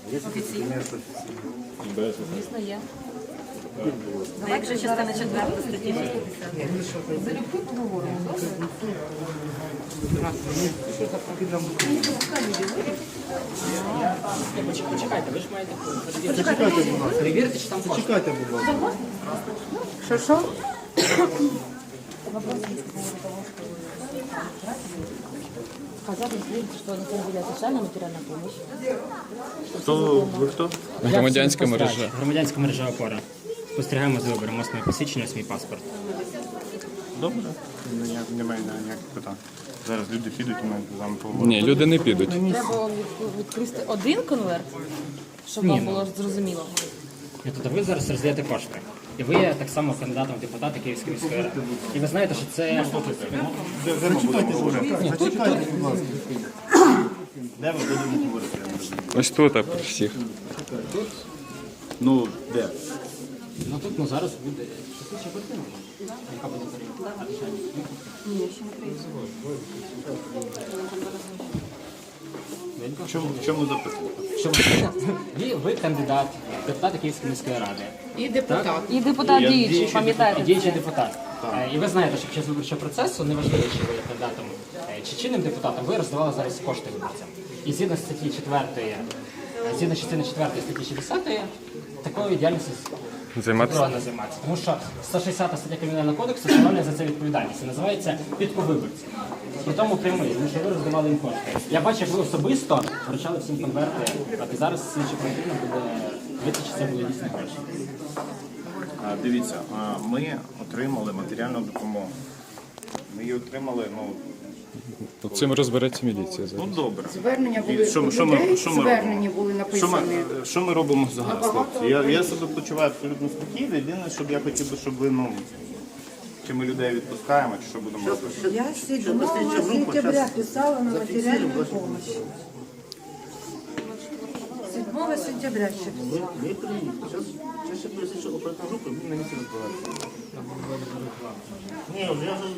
Офіційно? Звісно, є. А як же частина 4 статті 60? Залюбки поговоримо, Почекайте, ви ж маєте перевірити, чи там кошти. Чекайте, будь ласка. Що? Сказали, что на самом деле социальная материальная помощь. Ви хто? Громадянська мережа. Громадянська мережа «Опора». Спостерігаємо за вибором, ось моє посвідчення, ось мій паспорт. Добре. Немає ніяких питань. Зараз люди підуть і ми з вами поговоримо. Ні, люди не підуть. Треба відкрити один конверт, щоб вам було зрозуміло. І тут ви зараз роздаєте кошти. І ви є так само кандидатом в депутати Київської міської ради. І ви знаєте, що це... Зачекайте, будь ласка. Де ми будемо говорити? Ось тут а, про всіх. Ну, де? Ну тут зараз буде... Ще картина, яка буде перевірка. В чому запитання? Що ви кандидат, депутат Київської міської ради. І депутат діючий, пам'ятаєте? Діючий депутат. І ви знаєте, що під час виборчого процесу, неважливо, чи ви є кандидатом чи чинним депутатом, ви роздавали зараз кошти виборцям. І згідно статті 4, згідно частини 4 статті 60, такою діяльністю заборонено займатися. Тому що 160 стаття Кримінального кодексу встановлює за це відповідальність. І називається підковиборці. При тому прямий, тому що ви роздавали їм кошти. Я бачу, як ви особисто вручали всім конверти, і зараз слідчі потрібно буде вийти, чи це були дійсні гроші. Дивіться, ми отримали матеріальну допомогу. Ми її отримали, Цим розбереться міліція зараз. добре. Звернення були Що від ми людей, робимо? звернення були написані. Що ми робимо зараз, хлопці? Я себе почуваю абсолютно спокійно. Єдине, щоб я хотів би, щоб ви, чи ми людей відпускаємо, чи що будемо робити. Я 7 сентября писала на материальную помощь. 7 сентября ще писала. Зараз ще поясню, що оперативна група, він на місці розбирається. Ні, я вже